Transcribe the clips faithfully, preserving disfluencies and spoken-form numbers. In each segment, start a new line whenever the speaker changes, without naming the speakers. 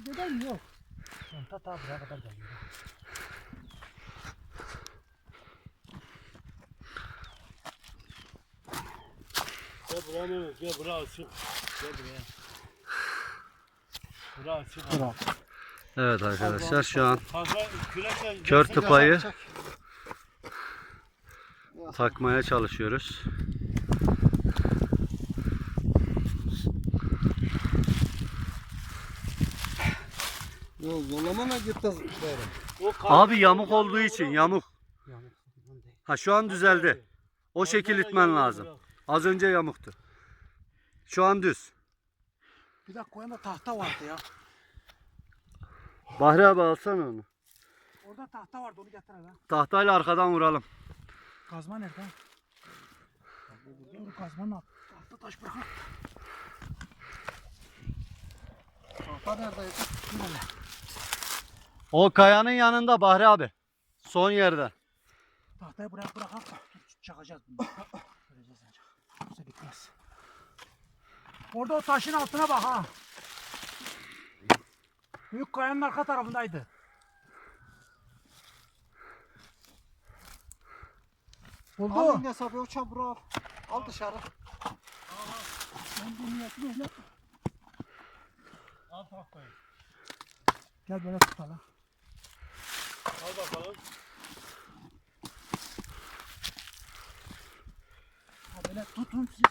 Neden yok? Sonta ta buraya kadar geliyor.
Gel buraya Mehmet, gel buraya açık. Gel buraya. Buraya açık.
Bırak.
Evet arkadaşlar şu an
Fazla kürekle
kör
gelsene.
tıpayı takmaya çalışıyoruz.
Yok zorlamana gitti.
O kar-
Abi yamuk olduğu için yamuk. Ha şu an düzeldi. O şekil itmen lazım. Az önce yamuktu. Şu an düz.
Bir dakika o yana tahta vardı ya.
Bahri abi alsana onu.
Orada tahta vardı onu getir hele.
Tahtayla arkadan vuralım.
Kazma nerede? Dur kazmanın altı. Tahta taş bırak. Tahta neredeydi? Dur hele.
O kayanın yanında Bahri abi. Son yerde.
Tahtayı bırak bırak. Dur çakacağız bunu. Göreceğiz ancak. Yoksa bitmez. Orada o taşın altına bak ha. Büyük kayanın arka tarafındaydı. Buldu.
Al hesabı o çamuru al. Al dışarı.
Ben bu niyetini öyle.
Al tahtayı.
Gel böyle tutalım.
Al bakalım.
Ha böyle tutun siz.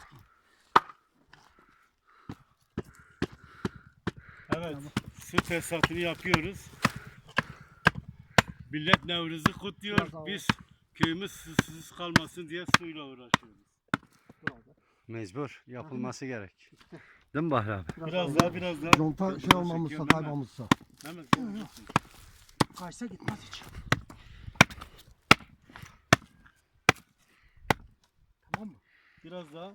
Evet. Su tesisatını yapıyoruz. Millet Nevruz'u kutluyor.
Biraz daha
Biz köyümüz susuz kalmasın diye suyla uğraşıyoruz.
Mecbur. Yapılması gerek. Değil mi Bahri abi?
Biraz daha biraz daha.
Conta şey olmamışsa kaymamışsa.
Hemen.
Kaçsa gitmez hiç. Tamam mı?
Biraz daha.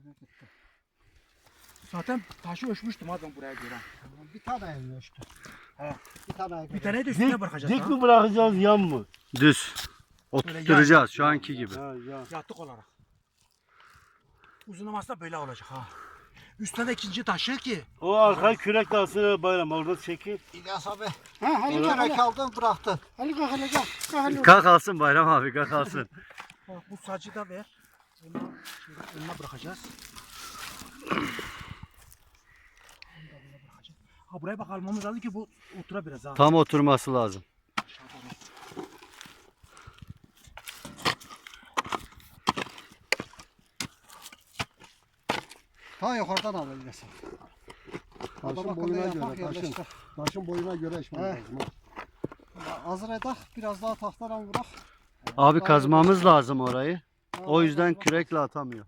Zaten taşı ölçmüştüm ha ben buraya göre.
Bir tane evli işte.
He.
Bir tane
Bir tane de üstüne bırakacağız.
Dik
ha.
mi bırakacağız yan mı?
Düz. Oturtturacağız şu anki gibi.
Ha, ya.
Yattık olarak. Uzunlaması da böyle olacak ha. Üstüne de ikinci taşı ki.
O arka kürek de aslında bayram orada çekil.
İlyas abi. He hani kere aldın bıraktın.
Hadi kalk hele gel. Kalk hele.
Kalk alsın Bayram abi kalk alsın.
Bak bu sacı da ver. Onu şöyle önüne bırakacağız. Onu da böyle bırakacağız. Ha buraya bak almamız lazım ki bu otura biraz ha.
Tam oturması lazım.
Ta yukarıdan al İlyas abi. Taşın boyuna göre, taşın, taşın boyuna göre eşmen lazım. Hazır edak, biraz daha tahtadan vurak.
Abi kazmamız lazım orayı. O yüzden kürekle atamıyor.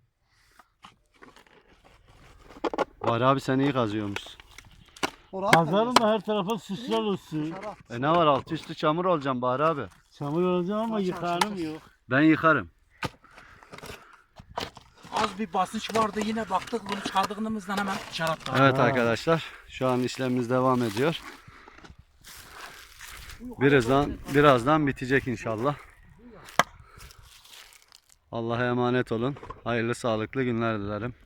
Bahri abi sen iyi kazıyormuşsun.
Kazarım da her tarafa süsler olsun.
E ne var altı üstü çamur olacağım Bahri abi.
Çamur olacağım ama yıkanım yok.
Ben yıkarım.
Az bir basınç vardı yine baktık bunu çıkardığımızdan hemen dışarı attı.
Evet
Ha.
arkadaşlar şu an işlemimiz devam ediyor. Birazdan birazdan bitecek inşallah. Allah'a emanet olun. Hayırlı sağlıklı günler dilerim.